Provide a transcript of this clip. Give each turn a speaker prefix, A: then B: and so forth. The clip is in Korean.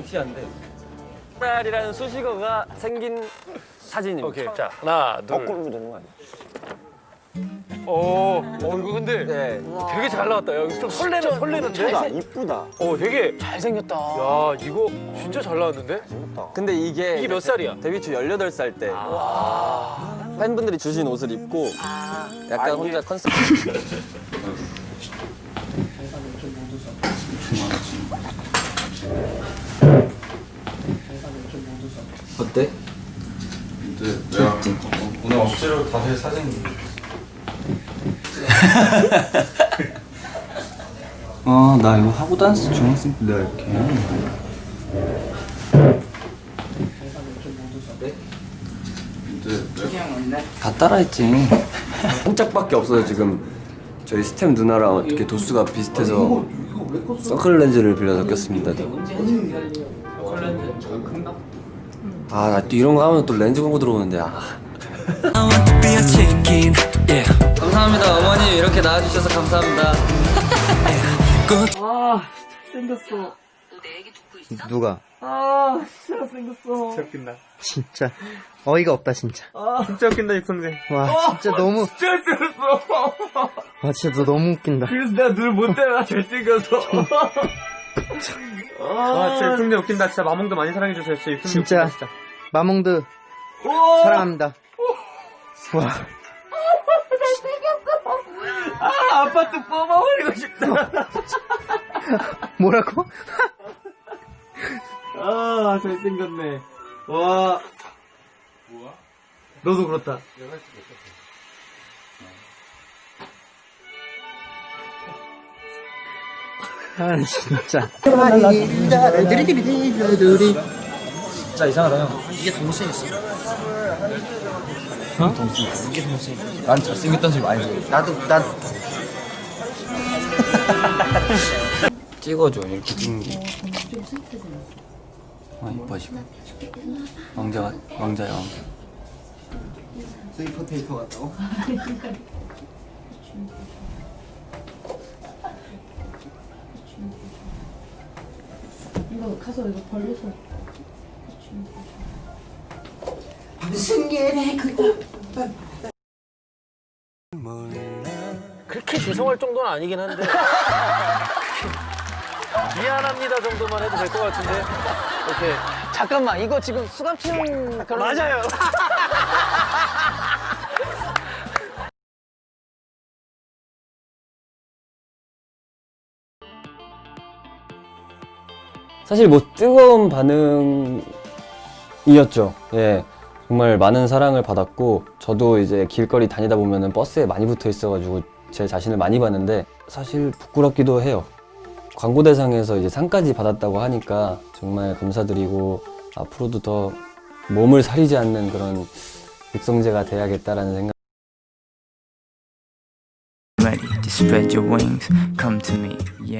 A: 시한데 딸이라는 수식어가 생긴 사진입니다.
B: 오케이. 자, 하나, 둘.
A: 거꾸로 되는 거 아니야?
B: 이거 근데
A: 네.
B: 되게 잘 나왔다. 야, 이거 좀 설레는데?
A: 이쁘다.
B: 되게
C: 잘생겼다.
B: 야, 이거 진짜 잘 나왔는데?
A: 근데 이게
B: 몇 살이야?
A: 데뷔 초 18살 때 팬분들이 주신 옷을 입고 약간 혼자 컨셉 어때?
D: 근데 내가 오늘 억지로 다시 사진
E: 나 이거 하고 다녔어 중학생 때 내가 이렇게. 다 따라했지.
A: 한 짝밖에 없어서 지금 저희 스텝 누나랑 이렇게 도수가 비슷해서 선클 렌즈를 빌려서 꼈습니다. 아, 나 또 이런 거 하면 또 렌즈 광고 들어오는데.
E: 감사합니다 어머니 이렇게 낳아주셔서 감사합니다.
C: 생겼어.
F: 누가?
C: 진짜 생겼어.
F: 진짜 웃긴다. 진짜 어이가 없다 진짜. 진짜 웃긴다 육성재. 와 진짜 너무.
C: 진짜 생겼어.
F: 와 진짜 너 너무 웃긴다.
C: 그래서 내가 눈을 못 떼나 잘생겨서.
F: 와 진짜 육성재 웃긴다. 진짜 마몽드 많이 사랑해주세요. 진짜 육성재 진짜. 진짜. 마몽드 사랑합니다. 와.
C: 아파트 뽑아버리고 싶다.
F: 뭐라고?
C: 잘생겼네. 와. 뭐야? 너도 그렇다.
F: 아 진짜.
E: 진짜 이상하다 형.
F: 이게 더 못생겼어.
E: 이게 더 못생겼어. 난 잘생겼다는 소리 많이 들어.
F: 나도
E: 찍어줘 이렇게 찍는 게. 이뻐 지금. 왕자야 왕자.
F: 스위퍼 테이프 같다고?
G: 이거 가서 이거 벌려서
B: 그렇게 죄송할 정도는 아니긴 한데. 미안합니다 정도만 해도 될 것 같은데. 이렇게.
C: 잠깐만, 이거 지금 수감치는 그런.
B: 맞아요.
A: 사실 뭐 뜨거운 반응이었죠. 예. 정말 많은 사랑을 받았고 저도 이제 길거리 다니다 보면은 버스에 많이 붙어 있어가지고 제 자신을 많이 봤는데 사실 부끄럽기도 해요. 광고 대상에서 이제 상까지 받았다고 하니까 정말 감사드리고 앞으로도 더 몸을 사리지 않는 그런 육성재가 돼야겠다라는 생각.
H: Ready to spread your wings, come to me, yeah.